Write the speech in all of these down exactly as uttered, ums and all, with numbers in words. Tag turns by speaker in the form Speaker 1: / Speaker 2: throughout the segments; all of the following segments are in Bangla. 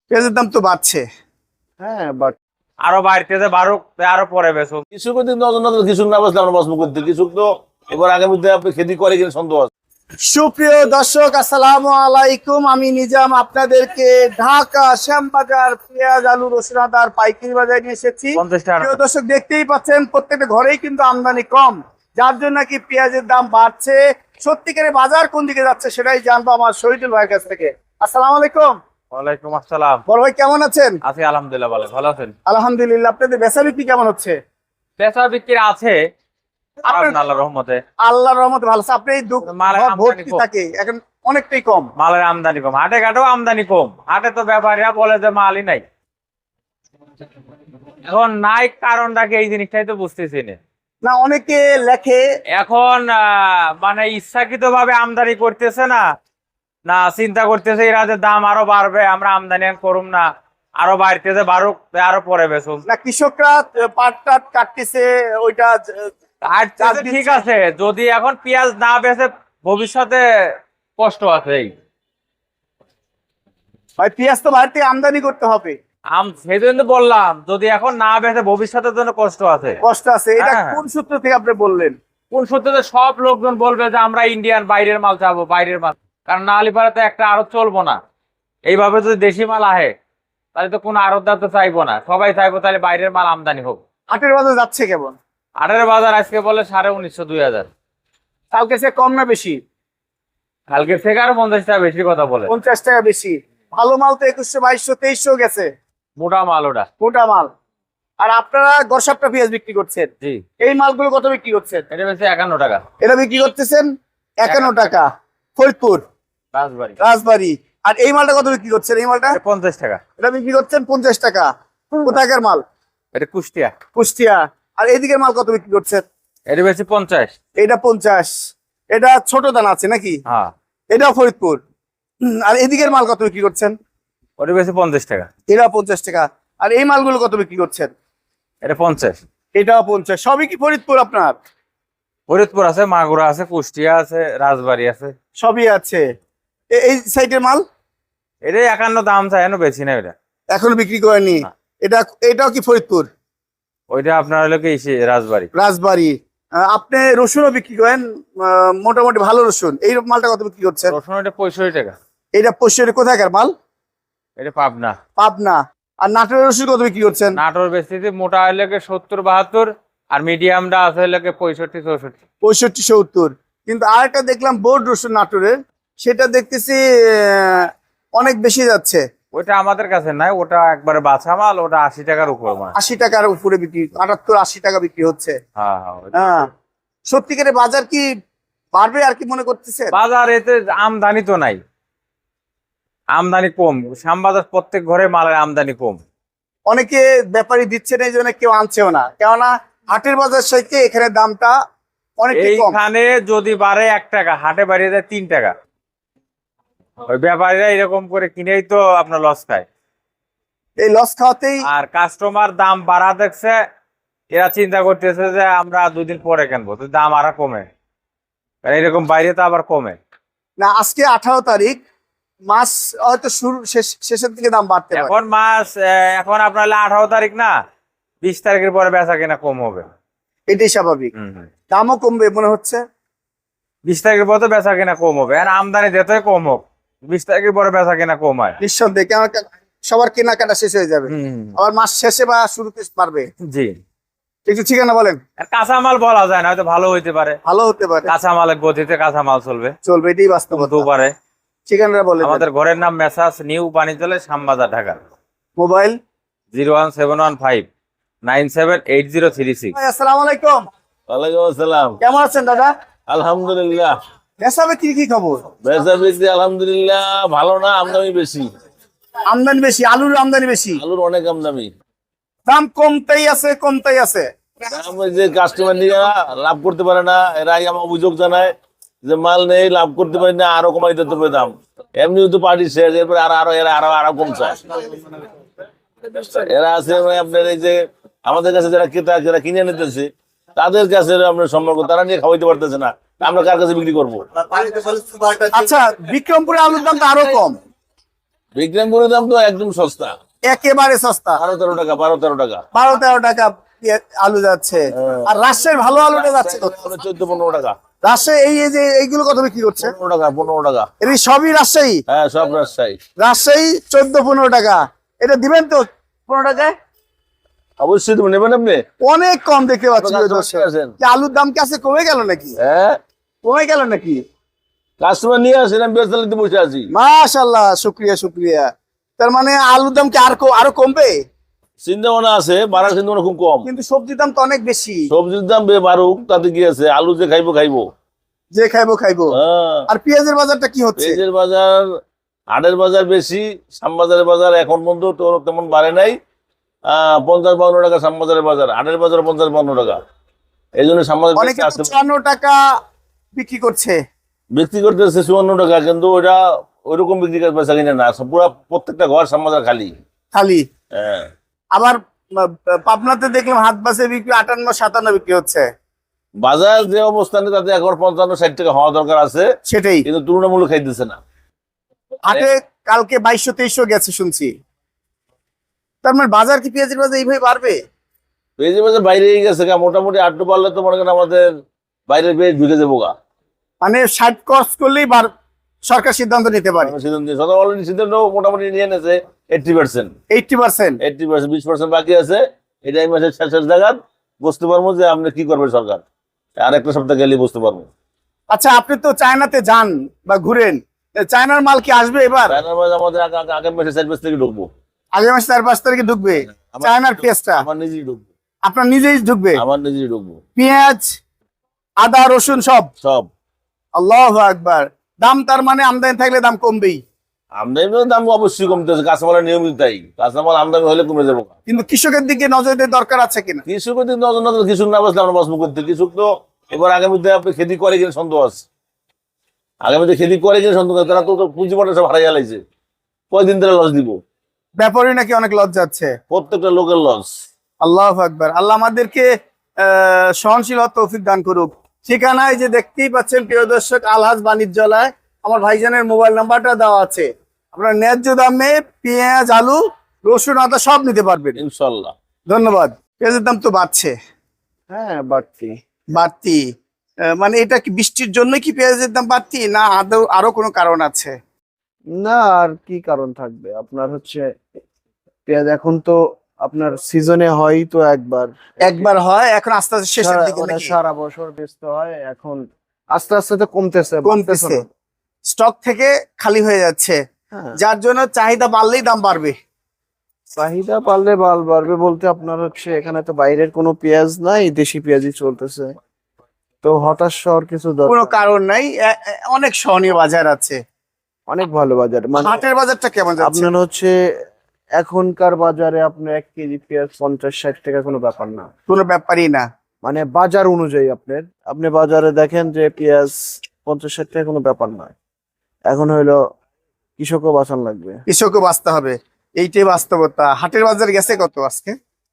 Speaker 1: পেঁয়াজের দাম তো বাড়ছে। হ্যাঁ, বাট
Speaker 2: আরো বাড়তেছে, বাড়ুক, আরো পরে বেচো।
Speaker 3: কৃষক নজর নজর কৃষক না বসলে আমরা বসবো করতে। কৃষক তো এবার আগামীতে আপনি খেতি করে কিনা সন্দেহ আছে।
Speaker 1: সুপ্রিয় দর্শক, আসসালামু আলাইকুম। আমি নিজাম আপনাদেরকে ঢাকা শ্যামবাজার পেঁয়াজ, আলু, রসুন, আদার পাইকারি বাজারে নিয়ে এসেছি।
Speaker 2: পঞ্চাশ টাকা।
Speaker 1: প্রিয় দর্শক, দেখতেই পাচ্ছেন প্রত্যেকটা ঘরেই কিন্তু আমদানি কম, যার জন্য কি পেঁয়াজের দাম বাড়ছে। সত্যিকারের বাজার কোন দিকে যাচ্ছে সেটাই জানবো আমার শহীদুল ভাইয়ের কাছ থেকে। আসসালামু আলাইকুম।
Speaker 2: ওয়ালাইকুম আসসালাম।
Speaker 1: বড় ভাই কেমন আছেন?
Speaker 2: আছি আলহামদুলিল্লাহ, ভালো। ভালো আছেন?
Speaker 1: আলহামদুলিল্লাহ। আপনাদের বেচা বিক্রি কেমন হচ্ছে?
Speaker 2: বেচা বিক্রি আছে
Speaker 1: আপনার-
Speaker 2: আল্লাহর রহমতে।
Speaker 1: আল্লাহর রহমতে ভালো আছে। আপনি এই দোক-
Speaker 2: মালের
Speaker 1: ঘর
Speaker 2: আমদানি
Speaker 1: ভর্তি
Speaker 2: কম।
Speaker 1: থাকে এখন অনেকটাই কম।
Speaker 2: মালের আমদানি কম, হাটে ঘাটেও আমদানি কম। হাটে তো ব্যাপারীরা বলে যে মালই নাই। এখন নাই কারণটা কি, এই জিনিসটাই তো বুঝতেছি না।
Speaker 1: না, অনেকে লেখে
Speaker 2: এখন আহ, মানে ইচ্ছাকৃত ভাবে আমদানি করতেছে না, না চিন্তা করতেছে এরা যে দাম আরো বাড়বে, আমরা আমদানি আর করুম না, আরো বাড়তেছে, বাড়ুক, আরো পরে বেচুম।
Speaker 1: না, কৃষকরা পাট টাট কাটতেছে ওইটা।
Speaker 2: আর
Speaker 1: চাষ
Speaker 2: ঠিক
Speaker 1: দিচ্ছে।
Speaker 2: আছে, যদি এখন পেঁয়াজ না বেচে ভবিষ্যতে কষ্ট আছে। এই
Speaker 1: ভাই, পেঁয়াজ তো বাইরে থেকে আমদানি করতে হবে।
Speaker 2: আম সেই জন্য বললাম, যদি এখন না বেচে ভবিষ্যতের জন্য কষ্ট আছে।
Speaker 1: কষ্ট আছে। এটা
Speaker 2: হ্যাঁ।
Speaker 1: কোন সূত্র থেকে আপনি বললেন?
Speaker 2: কোন সূত্রে? সব লোকজন বলবে যে আমরা ইন্ডিয়ান, বাইরের মাল চাবো, বাইরের মাল। কারণ না হলে পারে তো একটা আড়ত চলবো না। এইভাবে যদি দেশি মাল আহে তাহলে তো কোনো আড়তদার তো চাইবো না, সবাই চাইবো তাহলে বাইরের মাল আমদানি হোক।
Speaker 1: হাটের বাজার যাচ্ছে কেমন?
Speaker 2: আটের বাজার আজকে বলে সাড়ে উনিশশো দুই হাজার।
Speaker 1: কালকে সে কম না বেশি?
Speaker 2: কালকে থেকে আরো পঞ্চাশ টাকা বেশি কথা বলে।
Speaker 1: পঞ্চাশ টাকা বেশি। ভালো মাল তো একুশশো, বাইশশো, তেইশশো গেছে
Speaker 2: মোটা মাল ওটা।
Speaker 1: মোটা মাল। আর আপনারা গড়সাপটা পেঁয়াজ বিক্রি করছেন,
Speaker 2: জি।
Speaker 1: এই মালগুলো কত বিক্রি করছেন?
Speaker 2: এটা বেশি একান্ন টাকা।
Speaker 1: এটা বিক্রি করতেছেন একান্ন টাকা ফরিদপুর,
Speaker 2: রাজবাড়ি।
Speaker 1: রাজবাড়ী। আর এই মালটা কত বিক্রি করছেন? এই মালটা
Speaker 2: এটা পঞ্চাশ টাকা।
Speaker 1: এটা বিক্রি করছেন পঞ্চাশ টাকা। কোথাকার মাল?
Speaker 2: এটা কুষ্টিয়া।
Speaker 1: কুষ্টিয়া। আর এইদিকের মাল কত বিক্রি করছেন?
Speaker 2: এটা বেশি পঞ্চাশ।
Speaker 1: এটা পঞ্চাশ। এটা ছোট দানা আছে নাকি?
Speaker 2: হ্যাঁ।
Speaker 1: এটা ফরিদপুর। হুম, আর এদিকের মাল কত বিক্রি করছেন?
Speaker 2: ওটা বেশি পঞ্চাশ টাকা।
Speaker 1: এটা পঞ্চাশ টাকা। আর এই মালগুলো কত বিক্রি করছেন?
Speaker 2: এটা পঞ্চাশ।
Speaker 1: এটাও পঞ্চাশ। সবই কি ফরিদপুর আপনার?
Speaker 2: ফরিদপুর আছে, মাগুরা আছে, কুষ্টিয়া আছে, রাজবাড়ি আছে,
Speaker 1: সবই আছে। এ- এই সাইডের মাল
Speaker 2: এটা একান্ন দাম চাই, এখনো বেশি না। এটা
Speaker 1: এখনো বিক্রি করেনি।
Speaker 2: না।
Speaker 1: এটা এটাও কি ফরিদপুর?
Speaker 2: ওইটা আপনার হলো কি ইসে, রাজবাড়ি।
Speaker 1: রাজবাড়ী। আহ, আপনি রসুনও বিক্রি করেন, আহ, মোটামুটি ভালো রসুন। এই মালটা কত বিক্রি করছেন?
Speaker 2: রসুন এটা পঁয়ষট্টি টাকা।
Speaker 1: এটা পশ্চিমের কোথাকার মাল?
Speaker 2: এটা পাবনা।
Speaker 1: পাবনা। আর নাটোরের রসুন কত বিক্রি করছেন?
Speaker 2: নাটোর বেশিতে মোটা হলে সত্তর বাহাত্তর, আর মিডিয়ামটা আছে হলে পঁয়ষট্টি চৌষট্টি।
Speaker 1: পঁয়ষট্টি সত্তর। কিন্তু আরেকটা দেখলাম বোর্ড রসুন নাটোরের, সেটা দেখতেছি আহ, অনেক বেশি যাচ্ছে।
Speaker 2: ওইটা আমাদের কাছে নাই, ওটা একবারে বাছা মাল, ওটা আশি টাকার উপর মাল।
Speaker 1: আশি টাকার উপরে বিক্রি, আটাত্তর আশি টাকা বিক্রি হচ্ছে।
Speaker 2: হ্যাঁ হ্যাঁ, ওইটা।
Speaker 1: হ্যাঁ। সত্যিকারের বাজার কি বাড়বে আর কি মনে করতেছে?
Speaker 2: বাজার এতে আমদানি তো নাই, আমদানি কম। শ্যামবাজার প্রত্যেক ঘরে মালের আমদানি কম।
Speaker 1: অনেকে ব্যাপারী দিচ্ছে না, এই জন্য কেউ আনছেও না। কেননা হাটের বাজার সাথে এখানে দামটা অনেকটাই কম।
Speaker 2: এইখানে যদি বাড়ে এক টাকা, হাটে বাড়িয়ে যায় তিন টাকা। ওই ব্যাপারীরা এরকম করে কিনেই তো আপনার লস খায়।
Speaker 1: এই লস খাওয়াতেই
Speaker 2: আর কাস্টমার দাম বাড়া দেখছে, এরা চিন্তা করতেছে যে আমরা দুদিন পরে কিনবো, তো দাম আরো কমে। কারণ এরকম বাইরে তো আবার কমে
Speaker 1: না। আজকে আঠারো তারিখ, মাস হয়তো শুরু শেষ- শেষের দিকে দাম বাড়তে পারে।
Speaker 2: এখন মাস আহ, এখন আপনার হলো আঠারো তারিখ না, বিশ তারিখের পরে বেচা কিনা কম হবে।
Speaker 1: এটাই স্বাভাবিক।
Speaker 2: হম হম।
Speaker 1: দামও কমবে মনে হচ্ছে।
Speaker 2: বিশ তারিখের পরে তো বেচা কিনা কম হবে, আর আমদানি যতই কম হোক বিশ তারিখের পরে বেচা কিনা কম হয়।
Speaker 1: নিঃসন্দেহে, কেন সবার কেনাকাটা শেষ হয়ে যাবে।
Speaker 2: হম।
Speaker 1: আবার মাস শেষে বা শুরুতে পারবে।
Speaker 2: জি।
Speaker 1: একটু ঠিকানা বলেন।
Speaker 2: আর কাঁচামাল বলা যায় না, হয়তো ভালো হইতে পারে।
Speaker 1: ভালো হতে পারে,
Speaker 2: কাঁচামালের গতিতে কাঁচামাল চলবে,
Speaker 1: চলবে, এটাই বাস্তবতা।
Speaker 2: হতেও পারে।
Speaker 1: ঠিকানাটা বলেন।
Speaker 2: আমাদের ঘরের নাম মেসাজ নিউ বাণিজ্যালয়, Shyambazar, Dhaka.
Speaker 1: Mobile
Speaker 2: zero one seven one five nine seven eight zero three six.
Speaker 1: আসসালামু আলাইকুম।
Speaker 3: ওয়ালাইকুম আসসালাম।
Speaker 1: কেমন আছেন দাদা?
Speaker 3: আলহামদুলিল্লাহ।
Speaker 1: বেচা বিক্রি কি খবর?
Speaker 3: বেচা বিক্রি আলহামদুলিল্লাহ ভালো না, আমদানি বেশি।
Speaker 1: আমদানি বেশি, আলুর আমদানি বেশি,
Speaker 3: আলুর অনেক আমদানি।
Speaker 1: দাম কমতেই আছে কমতেই আছে।
Speaker 3: দাম ওই যে কাস্টমার নিয়ে লাভ করতে পারে না, এরাই আমার অভিযোগ জানায় যে মাল নেই, লাভ করতে পারি না, আরো কমাই দিতে হবে দাম। এমনি তো পার্টি শেষ, এরপরে আরো আরো এরা আরো আরো কম চায়। এরা আছে মানে আপনার এই যে আমাদের কাছে যারা ক্রেতা, যারা কিনে নিতেছে তাদের কাছে আমরা সম্পর্ক, তারা নিয়ে খাওয়াইতে পারতেছে না, আমরা কার কাছে বিক্রি করবো?
Speaker 1: আচ্ছা, বিক্রমপুরে আলুর দাম তো আরো কম।
Speaker 3: বিক্রমপুরের দাম তো একদম সস্তা,
Speaker 1: একেবারে সস্তা,
Speaker 3: বারো তেরো টাকা, বারো তেরো টাকা।
Speaker 1: বারো তেরো টাকা পেঁয়াজ- আলু যাচ্ছে।
Speaker 3: হ্যাঁ।
Speaker 1: আর রাজশাহীর ভালো আলুটা যাচ্ছে কত?
Speaker 3: চোদ্দ পনেরো টাকা,
Speaker 1: রাজশাহী এই এই যে এইগুলো কত বিক্রি করছে?
Speaker 3: পনেরো টাকা, পনেরো টাকা।
Speaker 1: এর সবই রাজশাহী?
Speaker 3: হ্যাঁ, সব রাজশাহী।
Speaker 1: রাজশাহী চোদ্দ পনেরো টাকা। এটা দিবেন তো পনেরো টাকায়?
Speaker 3: অবশ্যই তুমি নেবেন আপনি।
Speaker 1: অনেক কম দেখতে পাচ্ছি।
Speaker 3: আপনার
Speaker 1: প্রিয় দর্শক।
Speaker 3: আছেন।
Speaker 1: কি আলুর দাম কি আছে কমে গেল নাকি?
Speaker 3: হ্যাঁ,
Speaker 1: কমে গেল নাকি?
Speaker 3: কাস্টমার নিয়ে আসেন, আমি ব্যবসা বসে আছি।
Speaker 1: মাশাআল্লাহ, শুক্রিয়া শুক্রিয়া। তার মানে আলুর দাম কি আর কো- আরো কমবে?
Speaker 3: চিন্তা ভাবনা আছে, বাড়ার চিন্তা ভাবনা খুব কম।
Speaker 1: কিন্তু সবজির দাম তো অনেক বেশি।
Speaker 3: সবজির দাম বে বাড়ুক, তাতে কি আছে, আলু যে খাইবো খাইবো।
Speaker 1: যে খাইবো খাইবো।
Speaker 3: হ্যাঁ,
Speaker 1: আর পেঁয়াজের বাজারটা কি হচ্ছে?
Speaker 3: পেঁয়াজের বাজার, হাটের বাজার বেশি, শ্যামবাজারের বাজার এখন পর্যন্ত তো তেমন বাড়ে নাই। আহ পঞ্চাশ বাউন্ন টাকা শ্যামবাজারের বাজার, হাটের বাজার পঞ্চাশ বাউন্ন টাকা। এই জন্য শ্যামবাজার
Speaker 1: অনেকে তো চুয়ান্ন টাকা বিক্রি করছে।
Speaker 3: বিক্রি করতেছে চুয়ান্ন টাকা, কিন্তু ওটা ওইরকম বিক্রি করে পয়সা কিনে না, পুরো প্রত্যেকটা ঘর শ্যামবাজার খালি।
Speaker 1: খালি।
Speaker 3: হ্যাঁ,
Speaker 1: আবার আহ, পাবনাতে দেখলাম হাত বাসে বিক্রি আটান্ন সাতান্ন বিক্রি হচ্ছে।
Speaker 3: বাজার যে অবস্থানে তাতে এখন পঞ্চান্ন ষাট টাকা হওয়া দরকার আছে,
Speaker 1: সেটাই।
Speaker 3: কিন্তু তুলনামূলক খাইতেছে না।
Speaker 1: হাটে কালকে বাইশশো তেইশশো গেছে শুনছি। তার মানে বাজার কি পেঁয়াজের বাজার এইভাবে বাড়বে?
Speaker 3: পেঁয়াজের বাজার বাইরে গেছে গা, মোটামুটি আটটু পারলে তো মনে করেন আমাদের বাইরের পেঁয়াজ ঢুকে যাবো গা।
Speaker 1: মানে ষাট ক্রস করলেই বার- সরকার সিদ্ধান্ত নিতে পারে।
Speaker 3: অলরেডি সিদ্ধান্ত মোটামুটি নিয়ে নেছে eighty percent,
Speaker 1: eighty percent.
Speaker 3: Eighty percent, বিশ পার্সেন্ট বাকি আছে। এটা এই মাসের শেষের জায়গা বুঝতে পারবো যে আপনি কি করবে সরকার, আর একটা সপ্তাহ গেলে বুঝতে পারবো।
Speaker 1: আচ্ছা, আপনি তো চায়নাতে যান বা ঘুরেন, চায়নার মাল কি আসবে এবার?
Speaker 3: চায়নার মাঝে আমাদের আগ- আগ- আগামী মাসে চার পাঁচ থেকে ঢুকবো।
Speaker 1: আগামী মাসে চার পাঁচ তারিখে ঢুকবে
Speaker 3: আমার-
Speaker 1: চায়নার পেঁয়াজটা?
Speaker 3: আমার নিজেই ঢুকবো,
Speaker 1: আপনার নিজেই ঢুকবে?
Speaker 3: আমার নিজেই ঢুকবো,
Speaker 1: পেঁয়াজ, আদা, রসুন সব?
Speaker 3: সব।
Speaker 1: আল্লাহু আকবার। দাম তার মানে আমদানি থাকলে দাম কমবেই।
Speaker 3: আমদানির দাম অবশ্যই কমতেছে, কাঁচামালের নিয়মিত তাই, কাঁচামাল আমদানি হলে কমে যাবো।
Speaker 1: কিন্তু কৃষকের দিকে নজর দেওয়ার দরকার আছে কিনা?
Speaker 3: কৃষকের দিক নজর নজর কৃষক না বসলে আমরা বাঁচবো করতে। কৃষক তো এবার আগামীতে আপনি খেতি করে কিনা সন্দেহ আছে, আগামীতে খেতি করে কিনা সন্দেহ আছে। তারা তো তো পুঁজি পয়সা সব হারাই গেলাইছে, কয়দিন ধরে লস দিব,
Speaker 1: ব্যাপারই নাকি অনেক লজ্জা আছে।
Speaker 3: প্রত্যেকটা লোকের লস।
Speaker 1: আল্লাহু আকবার। আল্লাহ আমাদেরকে আহ সহনশীল হওয়ার তৌফিক দান করুক। ঠিকানায় যে দেখতেই পাচ্ছেন প্রিয় দর্শক, আলহাজ বাণিজ্যালয়। আমার ভাইজানের মোবাইল নাম্বারটা দেওয়া আছে। আপনারা ন্যায্য দামে পেঁয়াজ, আলু, রসুন, আদা সব নিতে পারবেন
Speaker 3: ইনশাল্লাহ।
Speaker 1: ধন্যবাদ। পেঁয়াজের দাম তো বাড়ছে,
Speaker 4: হ্যাঁ বাড়তি।
Speaker 1: বাড়তি। আহ, মানে এটা কি বৃষ্টির জন্য কি পেঁয়াজের দাম বাড়তি, না আদৌ আরো কোনো কারণ আছে?
Speaker 4: না, আর কি কারণ থাকবে? আপনার হচ্ছে পেঁয়াজ এখন তো আপনার সিজনে হয় তো একবার,
Speaker 1: একবার হয়, এখন আস্তে আস্তে শেষের
Speaker 4: সারা-
Speaker 1: দিকে
Speaker 4: মানে
Speaker 1: নাকি?
Speaker 4: সারা বছর বেচতে হয়, এখন আস্তে আস্তে তো কমতেছে, বাড়তেছে
Speaker 1: কমতেছে,
Speaker 4: না।
Speaker 1: স্টক থেকে খালি হয়ে যাচ্ছে,
Speaker 4: হ্যাঁ,
Speaker 1: যার জন্য চাহিদা বাড়লেই দাম বাড়বে।
Speaker 4: চাহিদা পারলে বাল বাড়বে বলতে আপনার হচ্ছে এখানে তো বাইরের কোনো পেঁয়াজ নাই, দেশি পেঁয়াজই চলতেছে, তো হতাশ হওয়ার কিছু
Speaker 1: কোনো
Speaker 4: দরকার।
Speaker 1: কারণ নাই, এ- এ- অনেক সহনীয় বাজার আছে।
Speaker 4: অনেক ভালো বাজার, মানে
Speaker 1: হাটের বাজারটা কেমন যাচ্ছে?
Speaker 4: আপনার হচ্ছে এখনকার বাজারে আপনার এক কেজি পেঁয়াজ পঞ্চাশ ষাট টাকা কোনো ব্যাপার না,
Speaker 1: কোনো ব্যাপারই না।
Speaker 4: মানে বাজার অনুযায়ী আপনার, আপনি বাজারে দেখেন যে পেঁয়াজ পঞ্চাশ ষাট টাকা কোনো ব্যাপার নয়। এখন হইলো কৃষকও বাঁচান লাগবে।
Speaker 1: কৃষকও বাঁচতে হবে, এইটাই বাস্তবতা। হাটের বাজার গেছে কত আজকে?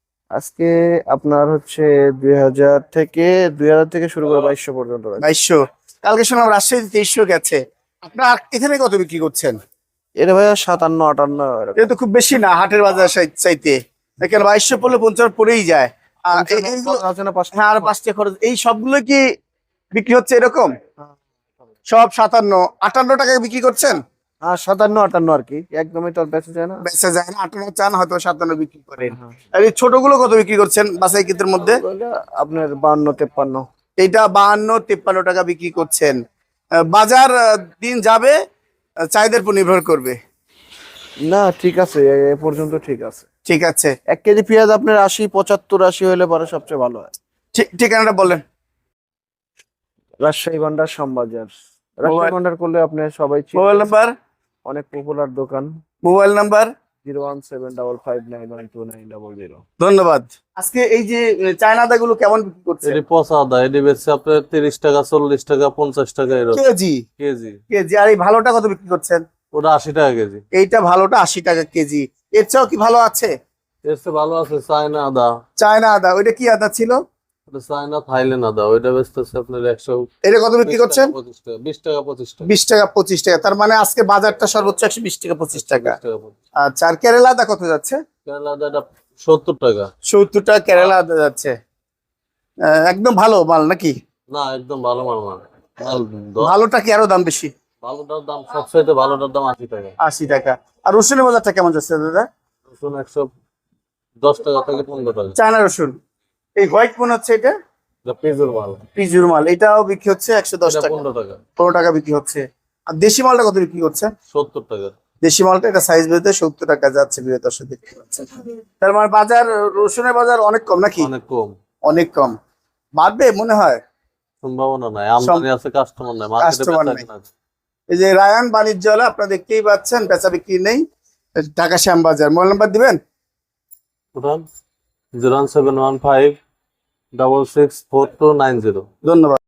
Speaker 4: আজকে আপনার হচ্ছে দুই হাজার থেকে দুই হাজার থেকে শুরু করে বাইশশো পর্যন্ত রয়েছে।
Speaker 1: বাইশশো। কালকে শুনলাম রাজশাহী তেইশশো গেছে। আপনার এখানে কত বিক্রি করছেন?
Speaker 4: এটা ভাইয়া সাতান্ন আটান্ন এরকম।
Speaker 1: এটা তো খুব বেশি না হাটের বাজার চাই- চাইতে। এখানে বাইশশো পড়লে পঞ্চাশ পড়েই যায়। আর এ- এইগুলো,
Speaker 4: আছে না পাঁচটা?
Speaker 1: হ্যাঁ, আর পাঁচটা খরচ, এই সবগুলো কি বিক্রি হচ্ছে এরকম? সব সাতান্ন আটান্ন টাকায় বিক্রি করছেন?
Speaker 4: হ্যাঁ, সাতান্ন আটান্ন আর কি, একদমই তো আর বেঁচে যায় না।
Speaker 1: বেচা যায় না, আটান্ন চান, হয়তো সাতান্ন বিক্রি করেন।
Speaker 4: হ্যাঁ।
Speaker 1: আর এই ছোটগুলো কত বিক্রি করছেন বাসাই কিতের মধ্যে?
Speaker 4: ওগুলো আপনার বান্ন তেপ্পান্ন।
Speaker 1: এইটা বাহান্ন তিপ্পান্ন টাকা বিক্রি করছেন। আহ, বাজার আহ, দিন যাবে, আহ, চাহিদার উপর নির্ভর করবে।
Speaker 4: না ঠিক আছে, এ এ পর্যন্ত ঠিক আছে।
Speaker 1: ঠিক আছে,
Speaker 4: এক কেজি পেঁয়াজ আপনার আশি পঁচাত্তর আশি হলে পরে সবচেয়ে ভালো হয়।
Speaker 1: ঠিক ঠিকানাটা বলেন।
Speaker 4: রাজশাহী ভান্ডার শ্যামবাজার। রাজশাহী
Speaker 1: মোবাইল-
Speaker 4: ভান্ডার করলে আপনি সবাই চিনেন।
Speaker 1: মোবাইল নাম্বার,
Speaker 4: অনেক পপুলার দোকান।
Speaker 1: Mobile number.
Speaker 4: Zero one seven double five nine one two nine double zero.
Speaker 1: ধন্যবাদ। আজকে এই যে আহ, চায়না আদাগুলো কেমন বিক্রি করছে?
Speaker 5: এটি পচা আদা, এটি বেচছে আপনার তিরিশ টাকা, চল্লিশ টাকা, পঞ্চাশ টাকা এরকম
Speaker 1: কেজি?
Speaker 5: কেজি।
Speaker 1: কেজি। আর এই ভালোটা কত বিক্রি করছেন?
Speaker 5: ওটা আশি টাকা কেজি।
Speaker 1: এইটা ভালোটা আশি টাকা কেজি। এর চেয়েও কি ভালো আছে?
Speaker 5: এর চেয়ে ভালো আছে চায়না আদা।
Speaker 1: চায়না আদা, ওইটা কি আদা ছিল?
Speaker 5: ওটা চায়না থাইল্যান্ড আদা, ওইটা বেচতেছে আপনার একশো
Speaker 1: এটা কত বিক্রি করছেন?
Speaker 5: পঁচিশ টাকা, বিশ টাকা পঁচিশ টাকা।
Speaker 1: বিশ টাকা পঁচিশ টাকা, তার মানে আজকে বাজারটা সর্বোচ্চ একশো বিশ টাকা পঁচিশ টাকা।
Speaker 5: বিশ টাকা পঁচিশ।
Speaker 1: আচ্ছা, আর কেরালা আদা কত যাচ্ছে?
Speaker 5: কেরালা আদাটা সত্তর টাকা।
Speaker 1: সত্তর টাকা কেরালা আদা যাচ্ছে। আহ, একদম ভালো মাল নাকি?
Speaker 5: না, একদম ভালো মাল না। মাল দ-
Speaker 1: ভালোটা কি আরো দাম বেশি?
Speaker 5: ভালোটার দাম সবচাইতে ভালোটার দাম আশি টাকা।
Speaker 1: আশি টাকা। আর রসুনের বাজারটা কেমন যাচ্ছে দাদা?
Speaker 5: রসুন একশো দশ টাকা থেকে পনেরো টাকা।
Speaker 1: চায়না রসুন, এই হোয়াইট মনে হচ্ছে এটা
Speaker 5: এটা পেঁয়াজের মাল,
Speaker 1: পিজুর মাল, এটাও বিক্রি হচ্ছে একশো দশ
Speaker 5: এটা
Speaker 1: টাকা,
Speaker 5: পনেরো টাকা।
Speaker 1: পনেরো টাকা বিক্রি হচ্ছে। আর দেশি মালটা কত বিক্রি করছে?
Speaker 5: সত্তর টাকা।
Speaker 1: দেশি মালটা এটা সাইজ বেঁধে সত্তর টাকা যাচ্ছে, প্রিয় দর্শক দেখতে পাচ্ছেন। তার মানে বাজার, রসুনের বাজার অনেক কম নাকি?
Speaker 5: অনেক কম,
Speaker 1: অনেক কম। বাড়বে মনে হয়।
Speaker 5: সম্ভাবনা নাই, আমদানি আছে, কাস্টমার নাই, মার্কেটে
Speaker 1: Customer
Speaker 5: বেচা
Speaker 1: নাই।
Speaker 5: কেনা আছে।
Speaker 1: এই যে রায়ান বাণিজ্যালয় আপনারা দেখতেই পাচ্ছেন, বেচা বিক্রি নেই। ঢাকা শ্যামবাজার। মোবাইল নাম্বার দিবেন?
Speaker 5: উঠান zero one seven one five double six four two nine zero.
Speaker 1: ধন্যবাদ।